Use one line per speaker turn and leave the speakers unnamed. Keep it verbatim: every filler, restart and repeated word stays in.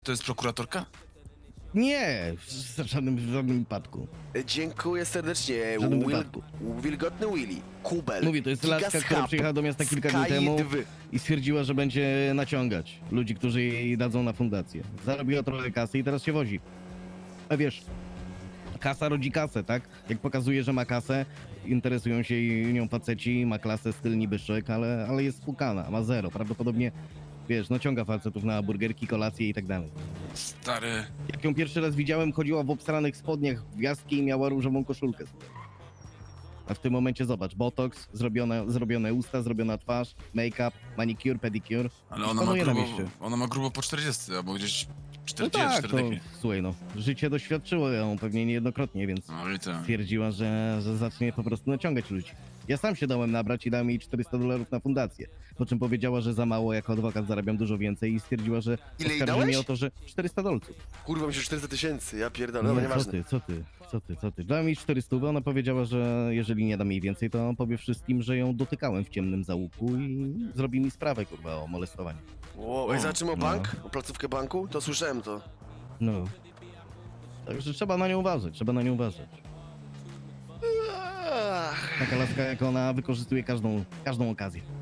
To jest prokuratorka?
Nie, w żadnym, w żadnym wypadku.
Dziękuję serdecznie.
W żadnym
Will,
wypadku.
wilgotny Willy, Kubel,
Mówię, to jest
Gigas
laska, która
Hub,
przyjechała do miasta kilka dni
Sky
temu
dwa.
i stwierdziła, że będzie naciągać ludzi, którzy jej dadzą na fundację. Zarobiła trochę kasy i teraz się wozi. A wiesz, kasa rodzi kasę, tak? Jak pokazuje, że ma kasę, interesują się nią faceci, ma klasę, styl niby szyk, ale, ale jest spłukana, ma zero. Prawdopodobnie, wiesz, naciąga facetów na burgerki, kolacje i tak dalej.
Stary.
Jak ją pierwszy raz widziałem, chodziła w obsranych spodniach, w gwiazdki i miała różową koszulkę. A w tym momencie zobacz, botox, zrobione, zrobione usta, zrobiona twarz, make-up, manicure, pedicure.
Ale ona ma,
Panuje na
grubo,
mieście.
ona ma grubo po czterdzieści, albo gdzieś
No
czterdzieści,
tak, to,
czterdzieści.
słuchaj no, życie doświadczyło ją pewnie niejednokrotnie, więc
No i to.
stwierdziła, że, że zacznie po prostu naciągać ludzi. Ja sam się dałem nabrać i dałem jej czterysta dolarów na fundację. Po czym powiedziała, że za mało, jako adwokat zarabiam dużo więcej i stwierdziła, że
Ile jej
oskarży mnie
dałeś?
o to, że czterysta dolców.
Kurwa, mi się czterysta tysięcy, ja pierdolę, no
Nie, co
nieważne.
ty, co ty, co ty, co ty. Dałem jej czterysta, ona powiedziała, że jeżeli nie dam jej więcej, to powie wszystkim, że ją dotykałem w ciemnym załuku i zrobi mi sprawę, kurwa, o molestowanie.
Wow, ej, zaczynamy o
No.
bank? O placówkę banku? To słyszałem to.
No. Także trzeba na nią uważać, trzeba na nią uważać.
Ach.
Taka laska jak ona wykorzystuje każdą, każdą okazję.